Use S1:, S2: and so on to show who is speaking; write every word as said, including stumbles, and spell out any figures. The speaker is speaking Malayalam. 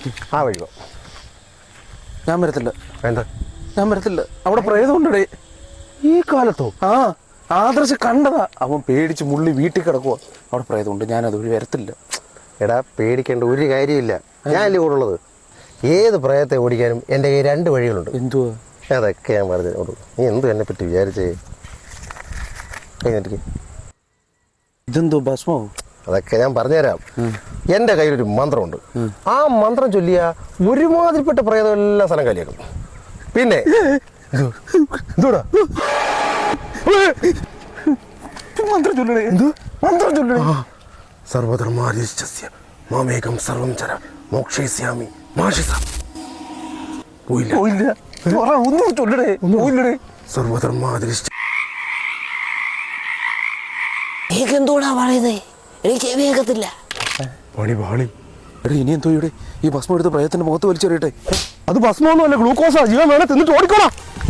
S1: ആ വഴിയോ?
S2: ഞാൻ വരത്തില്ല.
S1: എന്താ?
S2: ഞാൻ വരത്തില്ല. അവിടെ പ്രേതമുണ്ടേ.
S1: ഈ കാലത്തോ?
S2: ആ ആദർശ് കണ്ടതാ. അവൻ പേടിച്ച് മുള്ളി വീട്ടിൽ കിടക്കുവാ. അവിടെ പ്രേതമുണ്ട്. ഞാൻ അതുവഴി വരത്തില്ല.
S1: എടാ പേടിക്കേണ്ട ഒരു കാര്യമില്ല. ഞാനല്ലേ കൂടെ ഉള്ളത്. ഏത് പ്രേതത്തെ ഓടിക്കാനും എൻ്റെ കയ്യിൽ രണ്ട് വഴികളുണ്ട്.
S2: എന്തുവാ?
S1: അതൊക്കെ ഞാൻ പറഞ്ഞു. നീ എന്തു എന്നെ പറ്റി വിചാരിച്ചേ? കഴിഞ്ഞിട്ട്
S2: ഇതെന്തോ ഭസ്മോ?
S1: അതൊക്കെ ഞാൻ പറഞ്ഞുതരാം. എൻ്റെ കയ്യിലൊരു മന്ത്രമുണ്ട്. ആ മന്ത്രം ചൊല്ലിയ ഒരുമാതിരിപ്പെട്ട പ്രേതം എല്ലാ സ്ഥലം കാലിയാക്കും. പിന്നെ എന്തോടാ
S2: മന്ത്രം ചൊല്ലണേ. എന്ത് മന്ത്രം ചൊല്ലണേ?
S1: സർവധർമാരിശ്ചസ്യ മാമേകം സർവം ചര മോക്ഷയിസ്യാമി മാഷിസ. പോയില്ല
S2: പോയില്ല. ഒന്നും ചൊല്ലണേ. പോയില്ലടേ.
S1: സർവധർമാരിശ്ച
S3: എന്തോടാ പറയുന്നേ? എനിക്ക് ചെവി കേൾക്കത്തില്ല.
S1: പണി പാളി.
S2: എടാ ഇനി എന്തോ ഇവിടെ ഈ ഭസ്മം എടുത്ത് പ്രേതത്തിന്റെ മുഖത്ത് വലിച്ചെറിയട്ടെ.
S1: അത് ഭസ്മൊന്നുമല്ല, ഗ്ലൂക്കോസാ. ജീവൻ വേണേ തിന്നിട്ട് ഓടിക്കോളാം.